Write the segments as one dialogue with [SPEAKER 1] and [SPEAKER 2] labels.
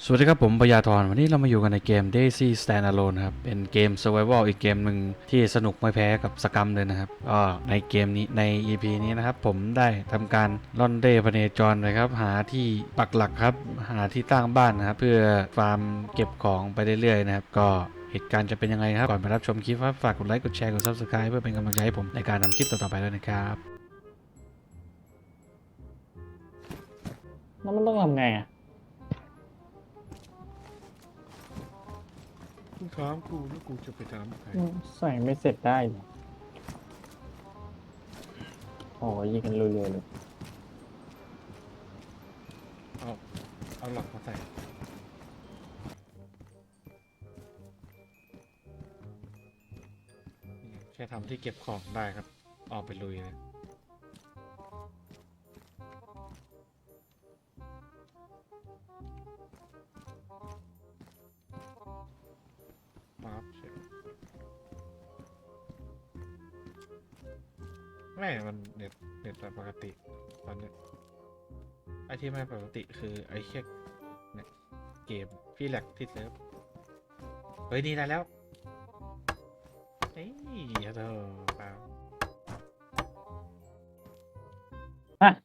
[SPEAKER 1] สวัสดีครับผมปยาธรวันนี้เรามาอยู่กันในเกม Daisy Standalone ครับเป็นเกม Survival อีกเกมหนึ่งที่สนุกไม่แพ้กับสกรรมเลยนะครับก็ในเกมนี้ใน EP นี้นะครับผมได้ทำการล่อนเร่พเนจรนะครับหาที่ปักหลักครับหาที่ตั้งบ้านนะครับเพื่อฟาร์มเก็บของไปเรื่อยๆนะครับก็เหตุการณ์จะเป็นยังไงครับก่อนไปรับชมคลิปครับฝากกดไลค์กดแชร์กด Subscribe เพื่อเป็นกำลังใจให้ผมในการทำคลิปต่อๆไปด้วยนะครับ
[SPEAKER 2] แล้วมันต้องทำไงอ่ะ
[SPEAKER 3] มึงถามกูแล้วกูจะไปถามใคร
[SPEAKER 2] ใส่ไม่เสร็จได้เหรอโอ้ยยิงกันรัวๆเลย
[SPEAKER 3] เอาเอาหลักมาใส่นี่แค่ทำที่เก็บของได้ครับออกไปลุยเลยปั๊บเสร็จไม่มันเน็ตปกติตอนเนี้ยไอที่ไม่ปกติคือไอเช็คเนี่ยเกมพี่แหลกที่เซิร์ฟเฮ้ยนี่ได้แล้วเฮ้ยเธอเปล่า
[SPEAKER 2] ฮะ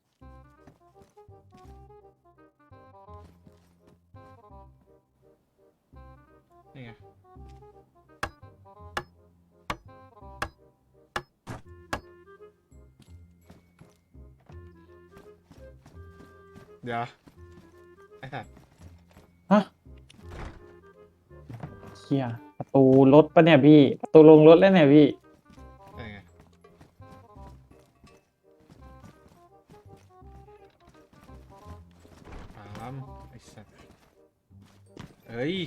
[SPEAKER 3] นี่ไงเดี๋ยวไอ้สัตว์
[SPEAKER 2] ฮะเชี่ยประตูรถปะเนี่ยพี่ประตูลงรถแล้วเนี่ยพี่
[SPEAKER 3] นี่ไงถามไอ้สัตว์เฮ้ย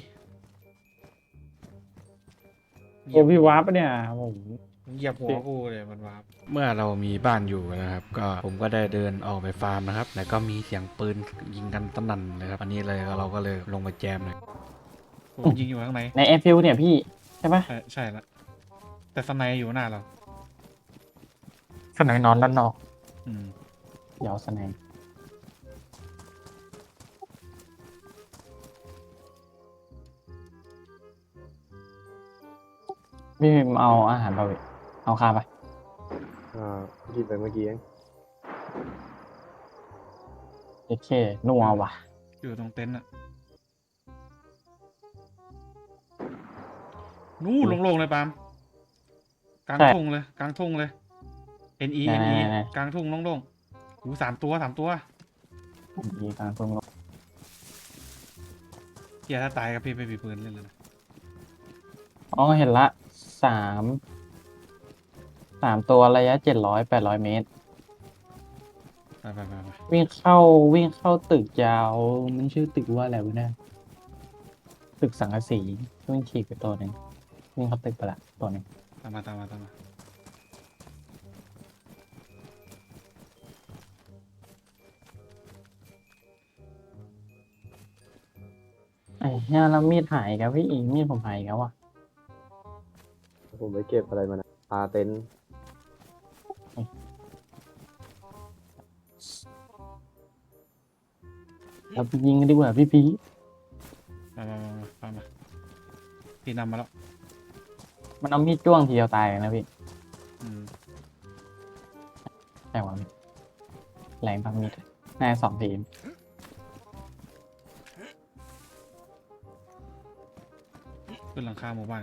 [SPEAKER 2] โอ้พี่วาร์ปปะเนี่ยผม
[SPEAKER 3] เหยียบหัวกูเลยมันวาร์ป
[SPEAKER 1] เมื่อเรามีบ้านอยู่นะครับก็ผมก็ได้เดินออกไปฟาร์มนะครับแล้วก็มีเสียงปืนยิงกันสนั่นเลยครับอันนี้เลยเราก็เลยลงไปแจมเลย
[SPEAKER 3] ผมยิงอยู่ข้างใน
[SPEAKER 2] ในแอร์ฟิลเนี่ยพี่ใช่ปะ
[SPEAKER 3] ใช่ละแต่สไนด์อยู่หน้าเรา
[SPEAKER 2] สนามนอนด้านนอก
[SPEAKER 3] อืม
[SPEAKER 2] เดี๋ยวสนามพี่เอาอาหารไปพี่เอาข้าวไป
[SPEAKER 4] กินไปเมื่อกี้เอง
[SPEAKER 2] โอเคนัวว่ะ
[SPEAKER 3] อยู่ตรงเต็นท์อะนู่นโล่งๆเลยปาล์มกลางทุ่งเลยกลางทุ่งเลย NE
[SPEAKER 2] ไหน
[SPEAKER 3] กลางทุ่งโล่งๆหูสามตัว
[SPEAKER 2] ดีกลางตรงรถ
[SPEAKER 3] เฮียถ้าตายกับพี่ไม่มีปืนเล่นเลยนะ
[SPEAKER 2] อ๋อเห็นละสามตัวระยะ700-800 เมตร
[SPEAKER 3] ไป
[SPEAKER 2] วิ่งเข้าตึกยาวมันชื่อตึกว่าอะไรวะเนี่ยตึกสังกะสีวิ่งฉีกไปตัวหนึ่งวิ่งเข้าตึกไปละตัวหนึ่ง
[SPEAKER 3] ตามมา
[SPEAKER 2] ไอ้เนี่ยแล้วมีดหายกับพี่อีกมีดผมหายแล้วอ่ะ
[SPEAKER 4] ผมไปเก็บอะไรมานะปลาเต็นท์
[SPEAKER 2] เราไปยิงกันดีกว่าพี่
[SPEAKER 3] มาพี่นำมาแล้ว
[SPEAKER 2] มันเอามีดจ้วงทีเดียวตายเลยนะพี่
[SPEAKER 3] อืม
[SPEAKER 2] ใช่หวะพี่แรงพังมีดแน่2 ทีม
[SPEAKER 3] ขึ้นหลังคาหมู่บ้าน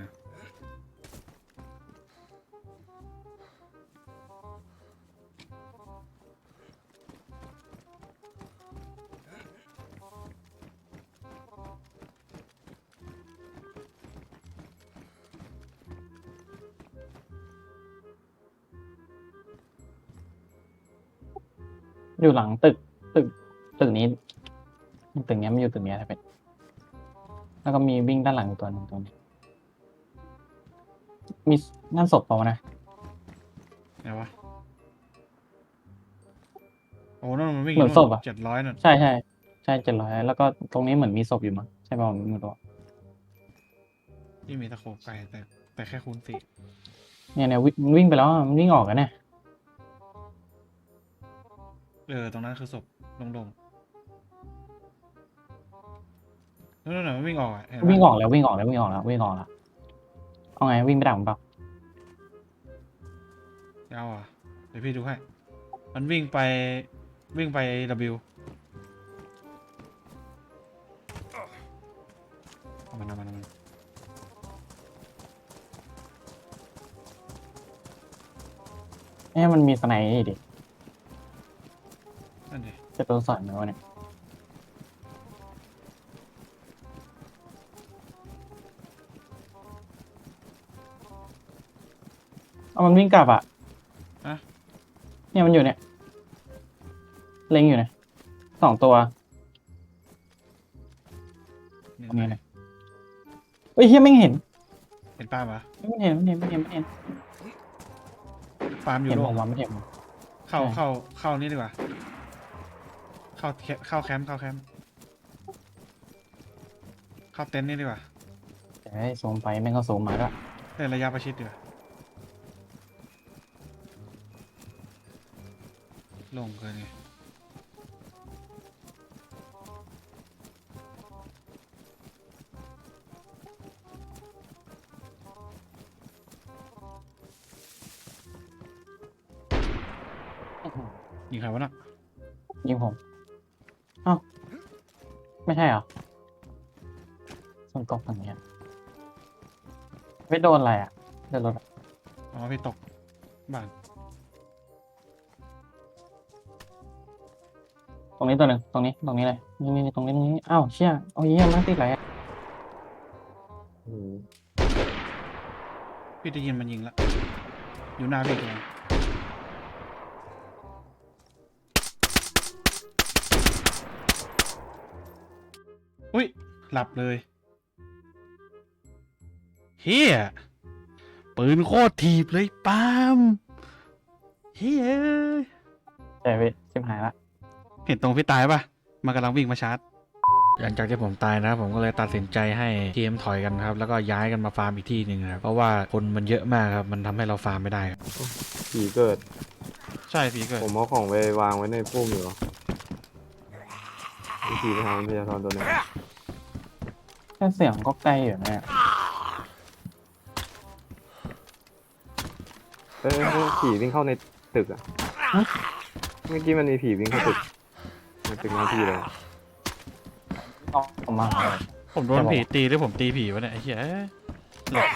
[SPEAKER 2] อยู่หลังตึกนี้ตึกนี้มันอยู่ตึกนี้ถ้าเป็นแล้วก็มีวิ่งด้านหลังตัวหนึ่งตัวนี้มีนั่นศพเปล่าวะนะ
[SPEAKER 3] ไหนวะโอ้นั่นมันวิ่ง
[SPEAKER 2] เหมือนศพอะ
[SPEAKER 3] 700นั่น
[SPEAKER 2] ใช่700แล้วก็ตรงนี้เหมือนมีศพอยู่มั้งใช่ป่าวไม่รู้
[SPEAKER 3] ที่มีตะโขบไก่แต่แค่คูณ4
[SPEAKER 2] เนี่ยวิ่งไปแล้วอะมันวิ่งออกกันเนี่ย
[SPEAKER 3] ตรงนั้นคือศพโล่งนั่นน่ะมันวิ่งออกอะเห็นปะ
[SPEAKER 2] วิ่งออกแล้ววิ่งออกแล้ววิ่งออกแล้ววิ่งออกแล้วเอาไงวิ่งไปดักมันเปล่า
[SPEAKER 3] เอาอ่ะเดี๋ยวพี่ดูให้มันวิ่งไปW เอามัน
[SPEAKER 2] มันมีสไนด์นี่ดิ
[SPEAKER 3] นั่นดิ
[SPEAKER 2] จะโดนสอยไหมวะเนี่ยเอามันวิ่งกลับอ่ะ
[SPEAKER 3] อะ
[SPEAKER 2] เนี่ยมันอยู่เนี่ยเล็งอยู่เนี่ย2 ตัว
[SPEAKER 3] นี่
[SPEAKER 2] ตรงนี้เลยเฮ้ยเฮียไม่เห็น
[SPEAKER 3] เห็นป้าปะ
[SPEAKER 2] ไม่เห็นไม่เห็นไม่เห็นไม่เห็น
[SPEAKER 3] ฟาร์มอยู่
[SPEAKER 2] เห็น
[SPEAKER 3] โล
[SPEAKER 2] ผ
[SPEAKER 3] ก
[SPEAKER 2] มว่าไม่เห็น
[SPEAKER 3] เข้านี่ดีกว่าเข้าแคมป์เข้าเต็นท์นี่ดีกว่า
[SPEAKER 2] แต่ให้ซูมไปแม่งก็ซูมมาด้วย
[SPEAKER 3] เล่นระยะประชิดดีกว่าลงเกินไงยิงใครวะน่ะ
[SPEAKER 2] ยิงผมเอ้าไม่ใช่เหรอส่วนตกฝั่งเนี้ยไม่โดนอะไรอ่ะโดนรถอะ
[SPEAKER 3] อ๋อพี่ตกบ้าน
[SPEAKER 2] ตรงนี้ตัวหนึ่งตรงนี้เลยนี่ตรงนี้อ้าวเชี่ยเอาเยี่ยมมากติดอะไรอะ
[SPEAKER 4] อืม
[SPEAKER 3] พี่ได้ยินมันยิงแล้วอยู่หน้าพี่ตัวนึงอุ้ยหลับเลยเฮียปืนโคตรถีบเลยปาล์มเฮีย
[SPEAKER 2] แต่เว้ยชิบหายละ
[SPEAKER 3] เห็นตรงพี่ตายปะมันกำลังวิ่งมาชาร์จ
[SPEAKER 1] หลังจากที่ผมตายนะครับผมก็เลยตัดสินใจให้ทีมถอยกันครับแล้วก็ย้ายกันมาฟาร์มอีกที่หนึ่งครับเพราะว่าคนมันเยอะมากครับมันทำให้เราฟาร์มไม่ได้ครับ
[SPEAKER 4] ผีเกิด
[SPEAKER 3] ใช่พี่เกิด
[SPEAKER 4] ผมเอาของไปวางไว้ในพุ่มอยู่มีผีไปทางพยาธรตัวหนึง
[SPEAKER 2] แค่เสียงก็ใกล้อยู่นะ
[SPEAKER 4] ผีวิ่งเข้าในตึกอ่ะเมื่อกี้มันมีผีวิ่งเข้าตึกในตึกหน้าที่เลย
[SPEAKER 2] ออกมาหา
[SPEAKER 3] ผมโดนผีตีหรือผมตีผีวะเนี่ยไอ้เหี้ยหลอก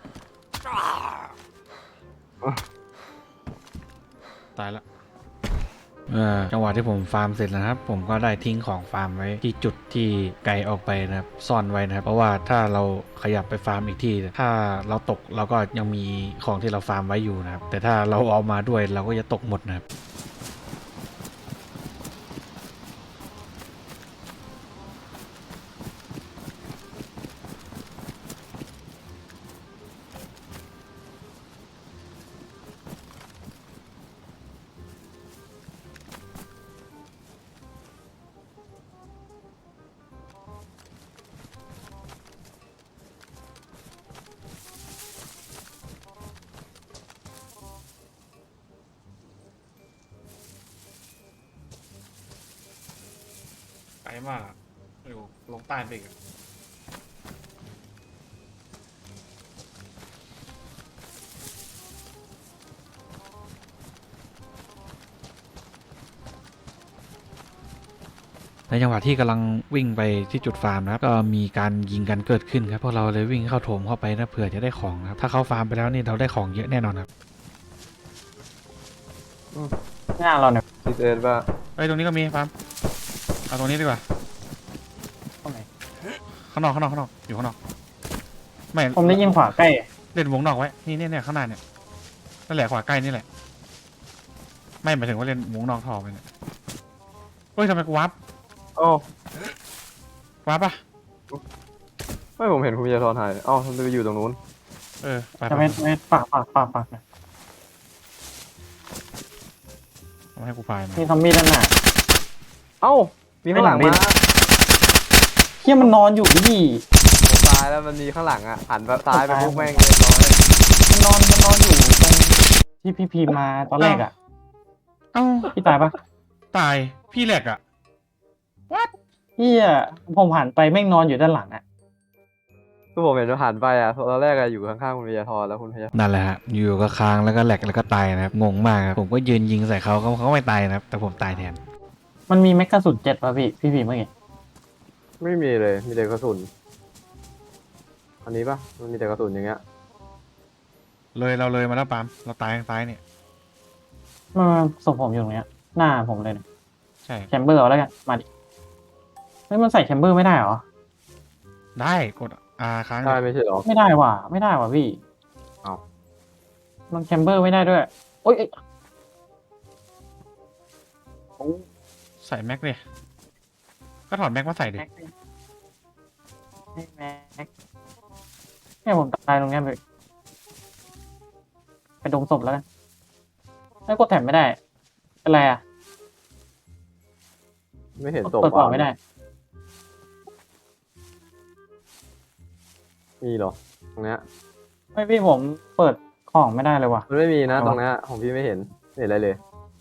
[SPEAKER 3] ตายละ
[SPEAKER 1] จังหวะที่ผมฟาร์มเสร็จแล้วนะครับผมก็ได้ทิ้งของฟาร์มไว้ที่จุดที่ไกลออกไปนะครับซ่อนไว้นะครับเพราะว่าถ้าเราขยับไปฟาร์มอีกที่ถ้าเราตกเราก็ยังมีของที่เราฟาร์มไว้อยู่นะครับแต่ถ้าเราเอามาด้วยเราก็จะตกหมดนะครับ
[SPEAKER 3] ไกลมากอะอยู่ลงใต้ไปอีกอะ
[SPEAKER 1] ในจังหวะที่กำลังวิ่งไปที่จุดฟาร์มนะครับก็มีการยิงกันเกิดขึ้นครับพวกเราเลยวิ่งเข้าโถมเข้าไปนะเผื่อจะได้ของนะครับถ้าเข้าฟาร์มไปแล้วนี่เราได้ของเยอะแน่นอนครับ
[SPEAKER 2] หน้าเราเนี่ย
[SPEAKER 4] ซิเอสว่า
[SPEAKER 3] เอ้ยตรงนี้ก็มีฟาร์มเอาตรงนี้ดีกว่า
[SPEAKER 2] ตรงไหน
[SPEAKER 3] ข้างนอกอยู่ข้างนอกไม่
[SPEAKER 2] ผมได้ยินขวาใกล้
[SPEAKER 3] เล่นวงนอกไว้นี่เนี่ยข้างหน้าเนี่ยนั่นแหละขวาใกล้นี่แหละไม่หมายถึงว่าเล่นวงนอกท่อไปเนี่ยเฮ้ยทำไมกูวับ
[SPEAKER 4] โอ้
[SPEAKER 3] วับปะ
[SPEAKER 4] ไม่ผมเห็นคุณพยาธรหายอ้าวทำไมไปอยู่ตรงนู้น
[SPEAKER 3] เออไป
[SPEAKER 2] จะไม่ปากนะ
[SPEAKER 3] มาให้กูพายมา
[SPEAKER 2] มีซอมบี้ด้านหน้า
[SPEAKER 4] เอ้ามีข้างหลัง
[SPEAKER 2] ไม่
[SPEAKER 4] มา
[SPEAKER 2] เห็น เฮียมันนอนอยู่ดิ
[SPEAKER 4] ผมตายแล้วมันมีข้างหลังอ่ะหันไปซ้ายไปพวกแม่งเรียบร้อย
[SPEAKER 2] มันนอนอยู่ตรงที่พี่พีมาตอนแรกอ่ะ
[SPEAKER 3] เอ้า
[SPEAKER 2] พี่ตายปะ
[SPEAKER 3] ตายพี่แหลกอะ
[SPEAKER 2] พี่เหี้ยผมหันไปแม่งนอนอยู่ด้านหลังอะ
[SPEAKER 4] คือผมเห็นผ่านไปอ่ะตอนแรกอะอยู่ข้างๆคุณพยาธรแล้วคุณพยาธร
[SPEAKER 1] นั่นแหละฮะอยู่ก็ค้างแล้วก็แหลกแล้วก็ตายนะครับงงมากครับผมก็ยืนยิงใส่เขาไม่ตายนะครับแต่ผมตายแทน
[SPEAKER 2] มันมีแม็กกาสุน7ป่ะพี่เมื่อกี้
[SPEAKER 4] ไม่มีเลยมีแต่กระสุนอันนี้ปะมันมีแต่กระสุนอย่างเงี้ย
[SPEAKER 3] เราเลยมาแล้วปาล์มเราตายทางซ้ายเนี่ย
[SPEAKER 2] มันศพผมอยู่ตรงเนี้ยหน้าผมเลยเนี่ย
[SPEAKER 3] ใช่
[SPEAKER 2] แชมเบอร์เอาแล้วกันมาดิเฮ้ยมันใส่แชมเบอร์ไม่ได้เหรอ
[SPEAKER 3] ได้กดค้าง
[SPEAKER 4] ได้ไม่ใช่เหรอ
[SPEAKER 2] ไม่ได้ว่ะไม่ได้ว่ะพี่
[SPEAKER 4] เอ้า
[SPEAKER 2] มันแชมเบอร์ไม่ได้ด้วยโอ๊ยโอ้
[SPEAKER 3] ใส่แม็กเลยก็ถอดแม็กมาใส่ดิ
[SPEAKER 2] แม็กไม่แม็กเนี่ยผมตายตรงเนี้ยไปดมศพแล้วกันไม่กดแถมไม่ได้เป็นไรอ่ะ
[SPEAKER 4] ไม่เห็นศพ
[SPEAKER 2] เปิดกล่อง
[SPEAKER 4] วาง
[SPEAKER 2] ไม่ได้
[SPEAKER 4] มีเหรอตรงเนี้ย
[SPEAKER 2] ไม่พี่ผมเปิดของไม่ได้เลยว่ะ
[SPEAKER 4] มันไม่มีนะ
[SPEAKER 2] เอาวะ
[SPEAKER 4] ตรงเนี้ยของพี่ไม่เห็นไม่เห็นอะไรเลย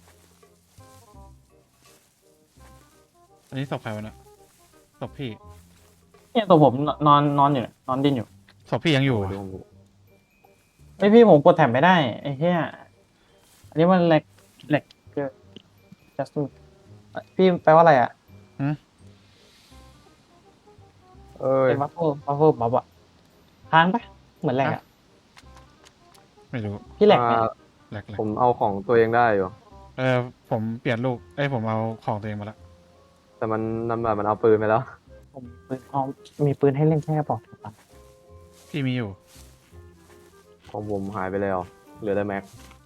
[SPEAKER 3] อันนี้ศพใครวะเนี่ยศพพี่
[SPEAKER 2] เนี่ยตัวผมนอนอยู่เนี่ยนอนดิ้นอยู่
[SPEAKER 3] ศพพี่ยังอยู่
[SPEAKER 4] ดู
[SPEAKER 3] อะ
[SPEAKER 4] ผมดู
[SPEAKER 2] ไม่พี่ผมกดแถมไม่ได้ไอ้เหี้ยอันนี้มันแหลกเกิน just do พี่แปลว่าอะไรอ่ะ
[SPEAKER 4] เอ้ย
[SPEAKER 2] เป็นวัฟเฟิลบ๊อบอ่ะค้างปะเหมือนแหลกอ่ะ
[SPEAKER 3] ไม่รู้
[SPEAKER 2] พี่แหลกไหม
[SPEAKER 3] แหลก
[SPEAKER 4] ผมเอาของตัวเองได้อยู่
[SPEAKER 3] ผมเปลี่ยนลูกผมเอาของตัวเองมาแล้ว
[SPEAKER 4] แต่มันนำแบบมันเอาปืนไปแล้ว
[SPEAKER 2] ผมมีปืนพร้อมมีปืนให้เล่นแค่กระบอกเดียวกัน
[SPEAKER 3] พี่มีอยู่
[SPEAKER 4] ของผมหายไปแล้วเหลือแต่แม็ก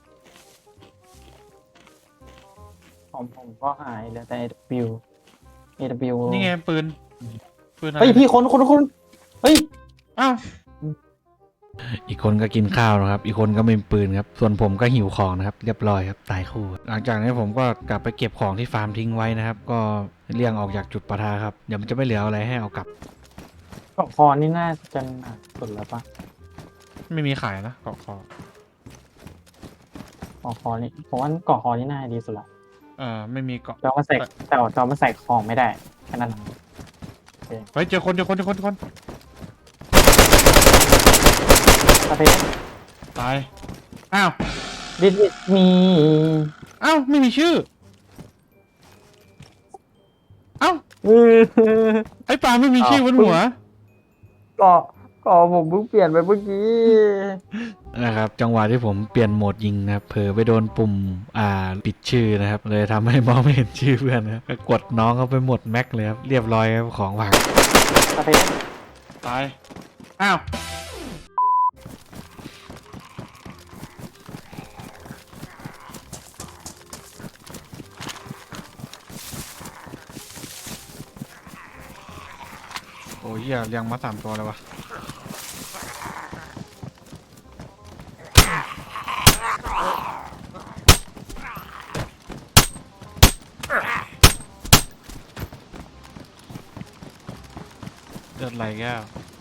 [SPEAKER 2] ของผมก็หายเหลือแต่ AW
[SPEAKER 3] นี่ไงปืนอะไร
[SPEAKER 2] เฮ้ยพี่คนเฮ้ย
[SPEAKER 3] อ้าว
[SPEAKER 1] อีกคนก็กินข้าวนะครับ อีกคนก็ไม่มีปืนครับ ส่วนผมก็หิวของนะครับ เรียบร้อยครับ ตายคู่ หลังจากนี้ผมก็กลับไปเก็บของที่ฟาร์มทิ้งไว้นะครับ ก็เลี่ยงออกจากจุดปะทะครับ เดี๋ยวมันจะไม่เหลืออะไรให้เอากลับ
[SPEAKER 2] กล่องคอนี่น่าจะหนักสุดแล้วปะ
[SPEAKER 3] ไม่มีขายนะเกาะคอก
[SPEAKER 2] ล่องคอนี่ผมว่ากล่องคอนี่น่าจะดีสุดละ
[SPEAKER 3] ไม่มีเกาะ
[SPEAKER 2] จอมันใส่แต่จอมันใส่ของไม่ได้แค่นั้น
[SPEAKER 3] เฮ้ยเจอคน
[SPEAKER 2] ถ้าไป
[SPEAKER 3] ตายอ้าว
[SPEAKER 2] ดิสมี
[SPEAKER 3] อ้าวไม่มีชื่ออ้าวไอ้ปลาไม่มีชื่อบนหัว
[SPEAKER 2] ก็ผมเพิ่งเปลี่ยนไปเมื่อกี้
[SPEAKER 1] นะครับ จังหวะที่ผมเปลี่ยนโหมดยิงนะครับ เผลอไปโดนปุ่มปิดชื่อนะครับ เลยทำให้มองไม่เห็นชื่อเพื่อนนะครับก็กดน้องเขาไปหมดแม็กเลยครับ เรียบร้อยครับของหวัง
[SPEAKER 2] ถ้าไป
[SPEAKER 3] ตายอ้าวโอ้ยเหี้ยเลี้ยงมา3 ตัวเลยวะเลือดไหลแก้ว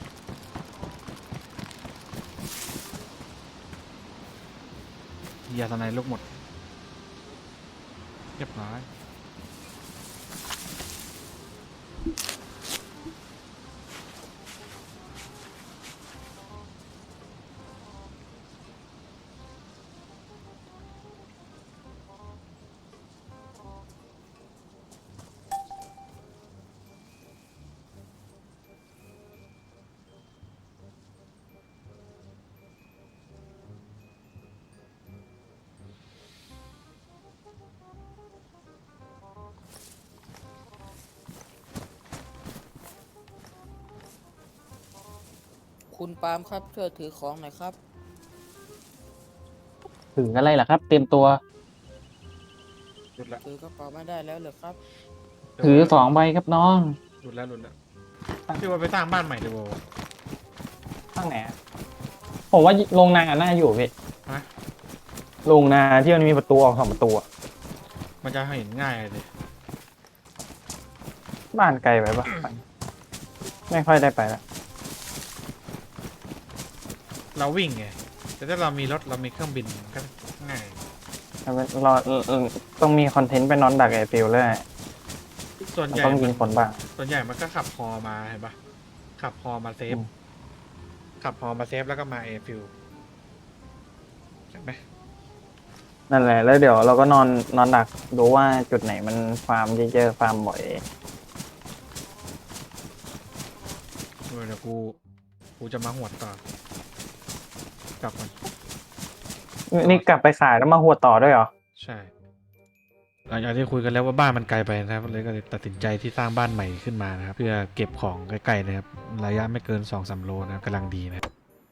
[SPEAKER 3] ยาสไนลูกหมดเรียบร้อย
[SPEAKER 5] คุณปาล์มครับช่วยถือของหน่อยครับ
[SPEAKER 2] ถึงอะไรล่ะครับ เตรียมตัว
[SPEAKER 3] หลุดละ
[SPEAKER 5] ถือกระเป๋าไม่ได้แล้วเหรอครับ
[SPEAKER 2] ถือ2 ใบครับน้อง
[SPEAKER 3] หลุดแล้วพี่ว่าไปสร้างบ้านใหม่เดี๋ยว
[SPEAKER 2] ข้างไหนอะผมว่าโรงนาน่าอยู่พี่
[SPEAKER 3] ฮะ
[SPEAKER 2] โรงนาที่มันมีประตูออก2 ประตูอะ
[SPEAKER 3] มันจะเห็นง่ายเลย
[SPEAKER 2] บ้านไกลไปปะไม่ค่อยได้ไปละ
[SPEAKER 3] เราวิ่งไงแต่ถ้าเรามีรถเรามีเครื่องบินก็ง่าย
[SPEAKER 2] เราต้องมีคอนเทนต์ไปนอนดักไอฟิลเลย
[SPEAKER 3] ส่วนใหญ่
[SPEAKER 2] ต้องยิงคนบ้าง
[SPEAKER 3] ส่วนใหญ่มันก็ขับฮอมาเห็นปะขับฮอมาเซฟ ขับฮอมาเซฟแล้วก็มาเอฟิลใช่ไหม
[SPEAKER 2] นั่นแหละแล้วเดี๋ยวเราก็นอนดักดูว่าจุดไหนมันฟาร์มเยอะๆฟาร์มบ่อย
[SPEAKER 3] เดี๋ยวกูจะมาหวดต่อกลับมัน
[SPEAKER 2] นี่กลับไปขายแล้วมาหัวต่อด้วยเหรอ
[SPEAKER 3] ใช่
[SPEAKER 1] หลังจากที่คุยกันแล้วว่าบ้านมันไกลไปนะครับเลยก็เลยตัดสินใจที่สร้างบ้านใหม่ขึ้นมานะครับเพื่อเก็บของใกล้ๆนะครับระยะไม่เกิน 2-3 โลนะครับกำลังดีนะครับ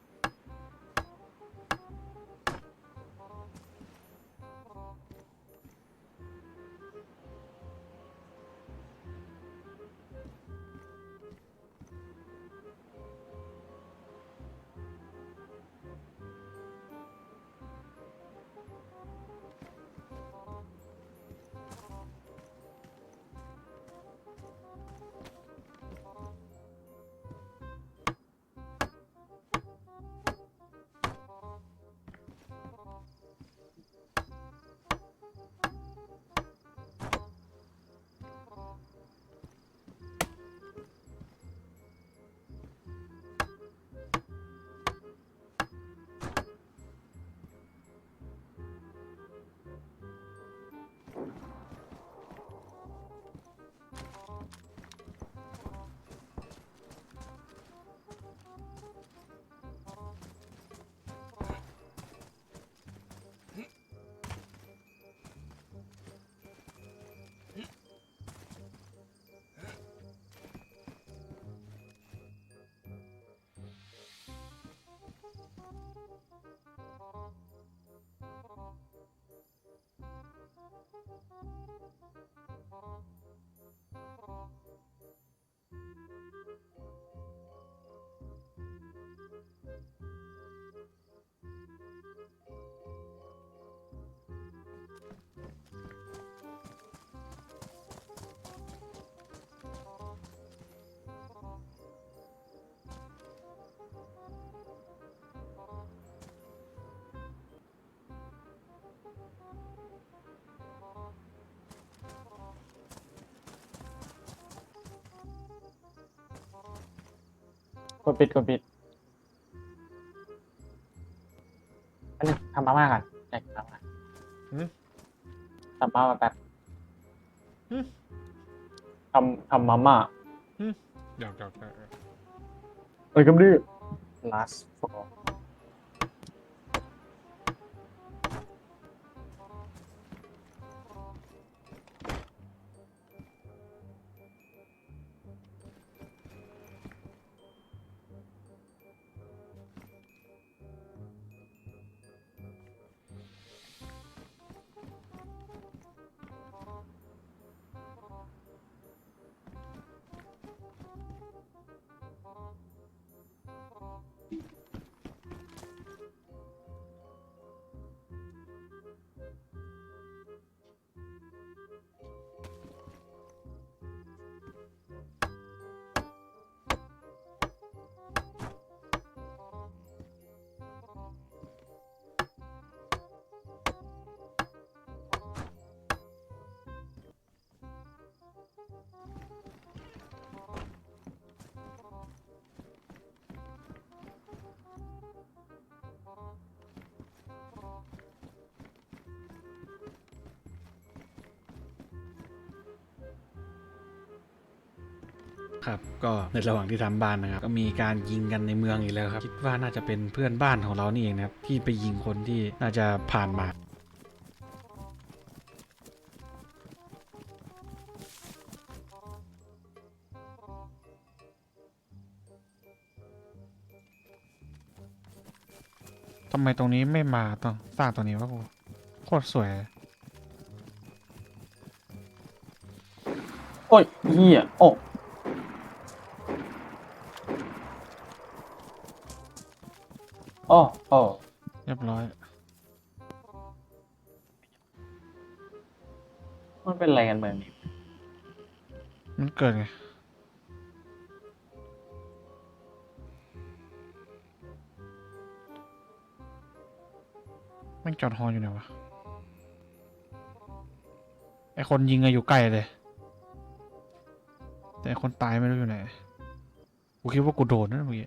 [SPEAKER 2] กดปิดอันนี้ทำมาม่าก่อนอยากกินมาม่า
[SPEAKER 3] หืม
[SPEAKER 2] ทำมาม่าแป๊บ
[SPEAKER 3] หืม
[SPEAKER 2] ทำมาม่า
[SPEAKER 3] เดี๋ยว
[SPEAKER 2] เอ้ยก็ดื้อ last for
[SPEAKER 1] ครับก็ในระหว่างที่ทำบ้านนะครับก็มีการยิงกันในเมืองอีกแล้วครับคิดว่าน่าจะเป็นเพื่อนบ้านของเรานี่เองนะครับที่ไปยิงคนที่น่าจะผ่านมาทำไมตรงนี้ไม่มาต้องสร้างตรงนี้วะกูโคตรสวย
[SPEAKER 2] โอ้ยเหี้ยโอ้โอ้
[SPEAKER 1] เรียบร้อย
[SPEAKER 2] มันเป็นอะไรกันเมืองนี้
[SPEAKER 1] มันเกิดไงแม่งจอดฮออยู่ไหนวะไอคนยิงอะอยู่ใกล้เลย
[SPEAKER 3] แต่คนตายไม่รู้อยู่ไหนกูคิดว่ากูโดนนะเมื่อกี้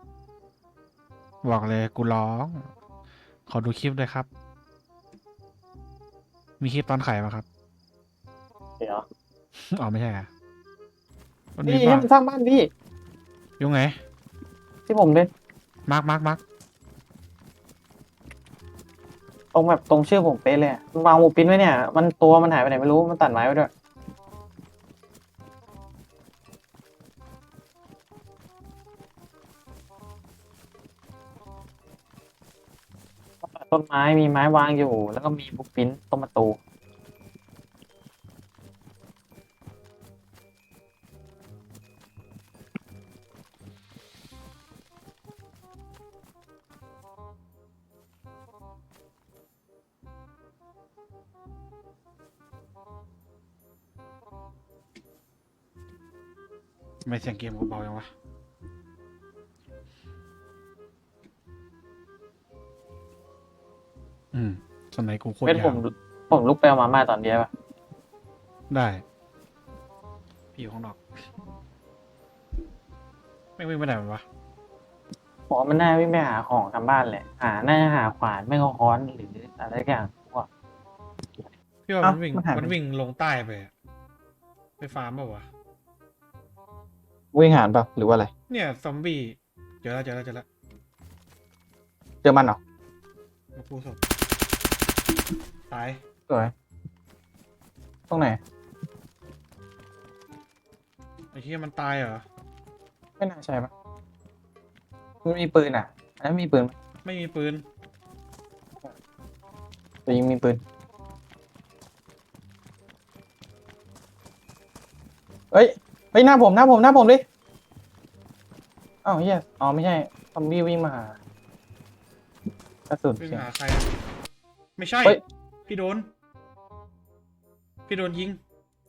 [SPEAKER 3] บอกเลยกูร้อง ขอดูคลิปด้วยครับ มีคลิปตอนไข่ปะครับ
[SPEAKER 2] เดี๋ยว
[SPEAKER 3] อ๋อไม่ใช่อะมันมี
[SPEAKER 2] พี่ให้
[SPEAKER 3] ป่ะ
[SPEAKER 2] มันสร้างบ้านพี่
[SPEAKER 3] ยุ่งไง
[SPEAKER 2] ที่ผมเล่น
[SPEAKER 3] มาร์ค
[SPEAKER 2] ตรงแบบตรงชื่อผมเป๊ะเลยอะมันวางหมูปิ้นไว้เนี่ยมันตัวมันหายไปไหนไม่รู้มันตัดไม้ไว้ด้วยต้นไม้มีไม้วางอยู่ แล้วก็มีหมูปิ้นตรงประตู
[SPEAKER 3] ทำไมเสียงเกมกูเบาจังวะ สมัยกูโคตร
[SPEAKER 2] เป็น
[SPEAKER 3] ยา
[SPEAKER 2] ผ
[SPEAKER 3] ว
[SPEAKER 2] มลุกไปเอามาม่าตอนเดียวป่ะ
[SPEAKER 3] ได้ พี่อยู่ข้างนอก ไม่วิ่งไปไหนมันวะ
[SPEAKER 2] บอกว่ามันน่าวิ่งไปหาของทำบ้านแหละน่าจะหาขวานไม่ก็ค้อนหรืออะไรสักอย่างพวก
[SPEAKER 3] พี่ว่า
[SPEAKER 2] เอ้า
[SPEAKER 3] มันวิ่ง
[SPEAKER 2] มันหายไป
[SPEAKER 3] มันวิ่งลงใต้ไปอะไปฟาร์มเปล่าวะ
[SPEAKER 2] วิ่งหานเปล่าหรือว่าอะไร
[SPEAKER 3] เนี่ยซอมบี้เจอแล้ว
[SPEAKER 2] เจอมันเหรอ
[SPEAKER 3] มาพูดสดตาย
[SPEAKER 2] สวยตรงไหน
[SPEAKER 3] ไอ้ที่มันตายเหรอ
[SPEAKER 2] ไม่น่าใช่ปะมันมีปืนอ่ะอันนั้นมีปืนไหม
[SPEAKER 3] ไม่มีปืน
[SPEAKER 2] แต่ยิงมีปืนเฮ้ยหน้าผมดิอ้าวเฮียอ๋อไม่ใช่ซอมบี้วิ่งมาหากระสุน
[SPEAKER 3] วิ่ง
[SPEAKER 2] เสียง
[SPEAKER 3] หาใครอะไม่ใช่
[SPEAKER 2] เฮ้ย
[SPEAKER 3] พี่โดนยิง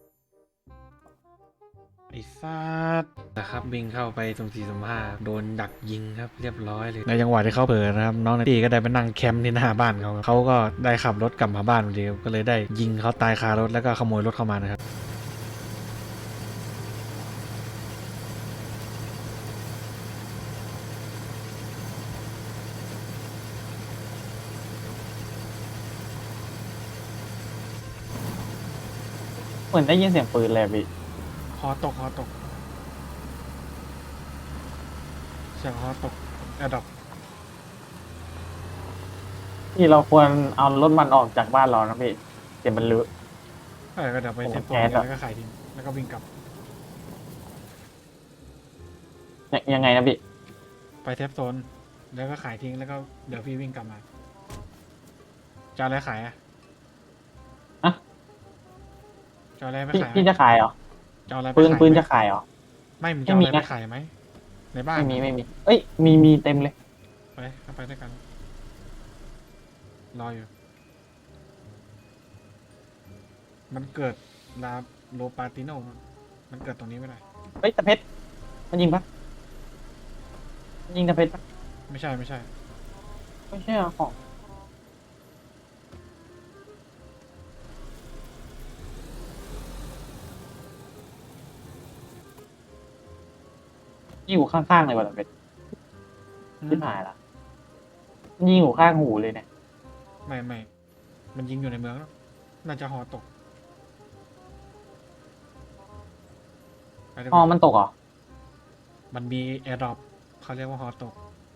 [SPEAKER 3] ไอ้สัตว์นะครับวิ่งเข้าไปตรง4-5โดนดักยิงครับเรียบร้อยเลยในจังหวะที่เขาเผลอนะครับน้องในตีก็ได้ไปนั่งแคมป์ที่หน้าบ้านเขาก็ได้ขับรถกลับมาบ้านพอดีก็เลยได้ยิงเขาตายคารถแล้วก็ขโมยรถเข้ามานะครับ
[SPEAKER 2] เหมือนได้ยินเสียงปืนเลยอะพี่
[SPEAKER 3] ฮอตกเสียงฮอตกแอดดอก
[SPEAKER 2] ที่เราควรเอารถมันออกจากบ้านเรานะพี่เดี๋ยวมันเลอะ
[SPEAKER 3] ก็เดี๋ยวไปเซฟโซน
[SPEAKER 2] แก๊สอะ
[SPEAKER 3] แล้วก็ขายทิ้งแล้วก็วิ่งกลับ
[SPEAKER 2] ยังไงนะพี่
[SPEAKER 3] ไปเซฟโซนแล้วก็ขายทิ้งแล้วก็เดี๋ยวพี่วิ่งกลับมาจะเอาอะไรขายอะ
[SPEAKER 2] อะ
[SPEAKER 3] จะเอาอะไรไปขาย
[SPEAKER 2] พี่จะขายเหรอ
[SPEAKER 3] จะเอาอะไรไป
[SPEAKER 2] ปืน
[SPEAKER 3] ขาย
[SPEAKER 2] ปืน
[SPEAKER 3] ไหม
[SPEAKER 2] จะขายเหรอ
[SPEAKER 3] ไม่มึงจะเอาอะไร
[SPEAKER 2] ไม่มี
[SPEAKER 3] ไป
[SPEAKER 2] นะ
[SPEAKER 3] ขายไหมในบ้าน
[SPEAKER 2] ไม่มีเอ้ยมีเต็มเลย
[SPEAKER 3] ไปเข้าไปด้วยกันรออยู่ มันเกิดลาโลปาติโนมันเกิดตรงนี้ไม่ได้
[SPEAKER 2] เฮ้ยตะเพชรมันยิงปะมันยิงตะเพชรปะ
[SPEAKER 3] ไม่ใช่
[SPEAKER 2] ไม่ใช่เหรอของยิงอยู่ข้างๆเลยว่ะตะเพชรที่หายละมันยิงอยู่ข้างหูเลยเนี่ย
[SPEAKER 3] ไม่มันยิงอยู่ในเมืองแล้วน่าจะหอตกไปดีก
[SPEAKER 2] อ๋อ
[SPEAKER 3] ว่า
[SPEAKER 2] มันตกเหรอ
[SPEAKER 3] มันมีแอร์ดรอปเขาเรียกว่าฮอตก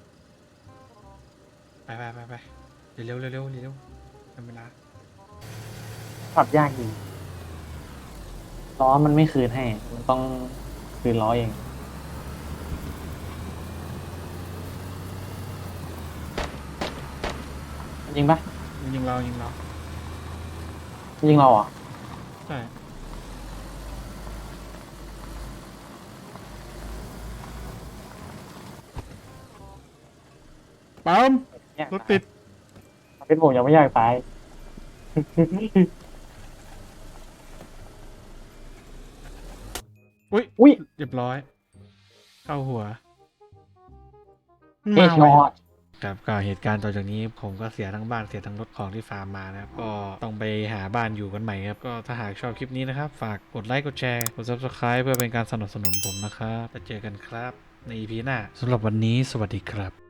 [SPEAKER 3] ไปเร็วทำเวลา
[SPEAKER 2] ปรับยากจริงล้อมันไม่คืนให้ มันต้องคืนล้อเองยิงปะ
[SPEAKER 3] ยิงเรา
[SPEAKER 2] ยิงเราเหรอ
[SPEAKER 3] ใช่ปั๊ม
[SPEAKER 2] อยาก
[SPEAKER 3] รถติด
[SPEAKER 2] เป็นผมยังไม่อยากตาย
[SPEAKER 3] อุ้ยเรียบร้อย เข้าหัว
[SPEAKER 2] เฮด
[SPEAKER 3] มา
[SPEAKER 2] ช็
[SPEAKER 3] ไว
[SPEAKER 2] อต
[SPEAKER 1] ครับก็เหตุการณ์ต่อจากนี้ผมก็เสียทั้งบ้านเสียทั้งรถของที่ฟาร์มมานะครับก็ต้องไปหาบ้านอยู่กันใหม่ครับก็ถ้าหากชอบคลิปนี้นะครับฝากกดไลค์กดแชร์กด Subscribe เพื่อเป็นการสนับสนุนผมนะครับแล้วเจอกันครับใน EP หน้าสำหรับวันนี้สวัสดีครับ